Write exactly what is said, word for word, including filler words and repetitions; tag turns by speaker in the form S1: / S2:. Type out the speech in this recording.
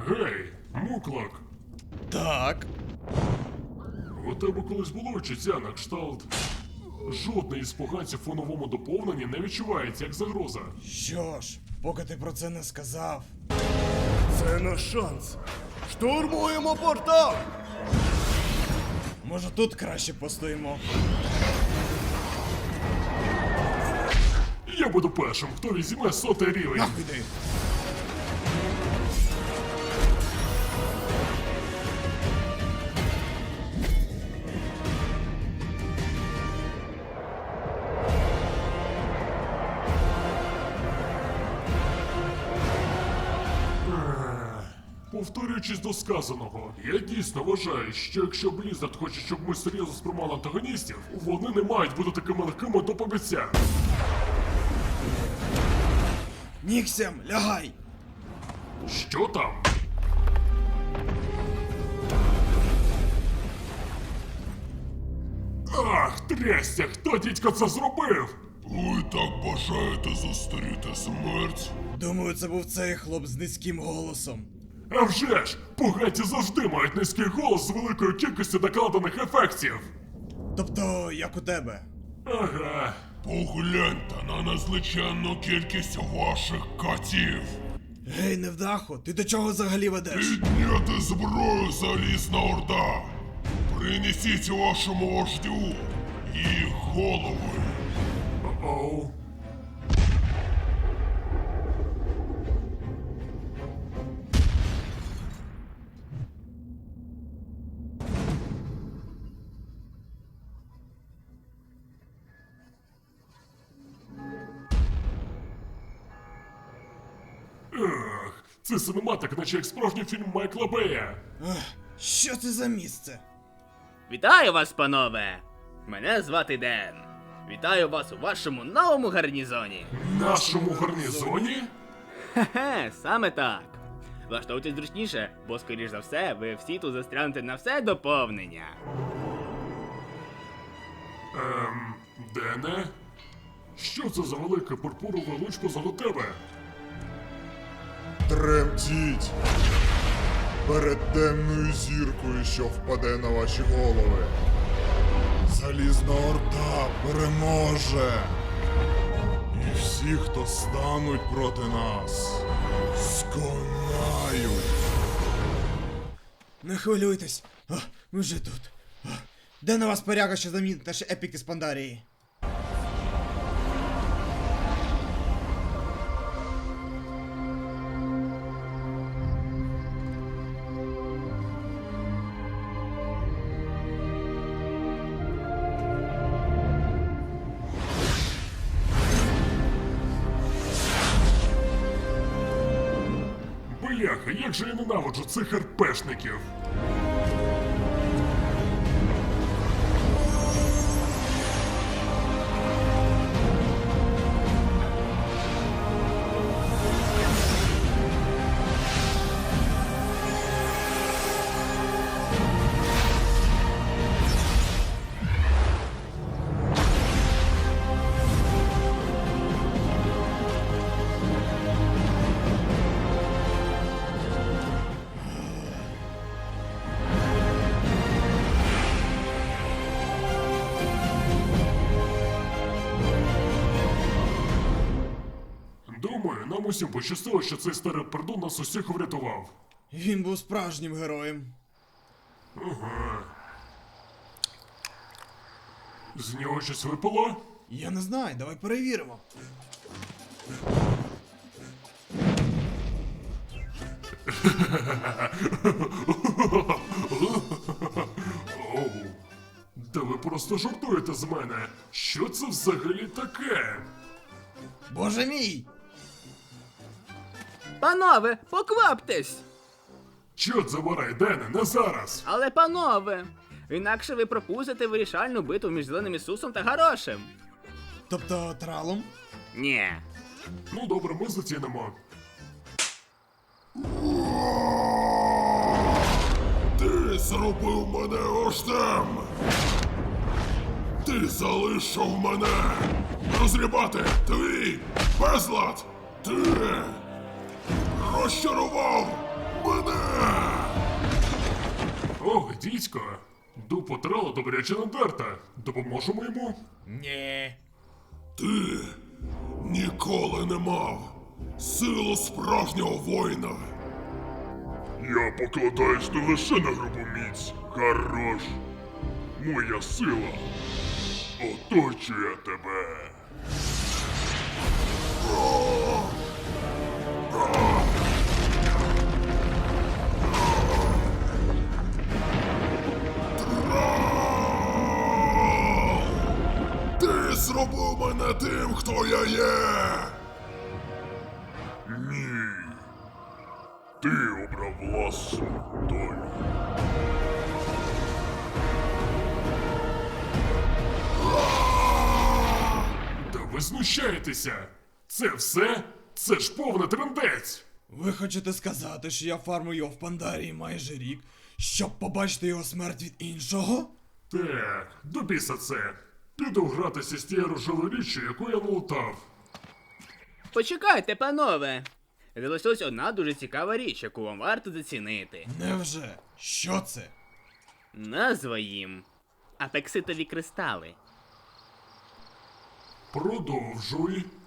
S1: Гей, Муклак,
S2: Так.
S1: у тебе колись було відчуття на кшталт? Жодний із поганців у новому доповненні не відчувається як загроза.
S2: Що ж, поки ти про це не сказав.
S3: Це наш шанс. Штурмуємо портал!
S2: Може тут краще постоїмо?
S1: Я буду першим, хто візьме сотий рівень.
S2: Нахуй йди!
S1: Повторюючись до сказаного, я дійсно вважаю, що якщо Blizzard хоче, щоб ми серйозно сприймали антагоністів, вони не мають бути такими легкими до побиття.
S2: Ніксем, лягай!
S1: Що там? Ах, трясся, хто дідько це зробив?
S4: Ви так бажаєте зустріти смерть?
S2: Думаю, це був цей хлоп з низьким голосом.
S1: А вже ж, поганці завжди мають низький голос з великою кількістю накладених ефектів.
S2: Тобто, як у тебе.
S1: Ага.
S4: Погляньте на незліченну кількість ваших катів.
S2: Гей, невдахо, ти до чого взагалі ведеш?
S4: Підняти зброю, Залізна Орда. Принесіть вашому вождю їх голови.
S1: Оу. Ех, це синематик, наче як справжній фільм Майкла Бея.
S2: Ех, що це за місце?
S5: Вітаю вас, панове! Мене звати Ден. Вітаю вас у вашому новому гарнізоні.
S1: Нашому гарнізоні?
S5: Хе-хе, саме так. Влаштовуйтесь зручніше, бо, скоріш за все, ви всі тут застрянете на все доповнення.
S1: Ем, Дене? Що це за велике пурпурове луч позаду тебе?
S6: Тремтіть перед темною зіркою, що впаде на ваші голови. Залізна Орда переможе. І всі, хто стануть проти нас, сконають.
S2: Не хвилюйтесь. А, ми вже тут. А, де на вас поряга, що замінить наші епіки з Пандарії?
S1: Бляха, як же я ненавиджу цих РПшників! Думаю, нам усім пощастило, що цей старий пердун нас усіх врятував.
S2: Він був справжнім героєм.
S1: З нього щось випало?
S2: Я не знаю, давай перевіримо.
S1: Оу. Та ви просто жартуєте з мене. Що це взагалі таке?
S2: Боже мій!
S5: Панове, покваптесь!
S1: Чорт забирай, Дене, не зараз!
S5: Але панове! Інакше ви пропустите вирішальну битву між Зеленим Ісусом та Гарошем.
S2: Тобто тралом?
S5: Ні.
S1: Ну добре, ми зацінимо.
S4: Ти зробив мене вождем! Ти залишив мене! Розрібати твій безлад! Ти розчарував мене!
S1: Ох, дідько. Дупо трала добряче надерта. Допоможемо йому?
S2: Ні.
S4: Ти ніколи не мав силу справжнього воїна. Я покладаюсь не лише на грубу міць. Хорош. Моя сила оточує тебе. Ти зробив мене тим, хто я є. Ні. Ти обрав власну долю.
S1: Та ви знущаєтеся! Це все? Це ж повний трындець!
S2: Ви хочете сказати, що я фармую його в Пандарії майже рік, щоб побачити його смерть від іншого?
S1: Так, до біса це. Піду гратися з тією рожевою річчю, яку я налутав.
S5: Почекайте, панове. Залишилась одна дуже цікава річ, яку вам варто зацінити.
S2: Невже? Що це?
S5: Назва їм апекситові кристали.
S1: Продовжуй.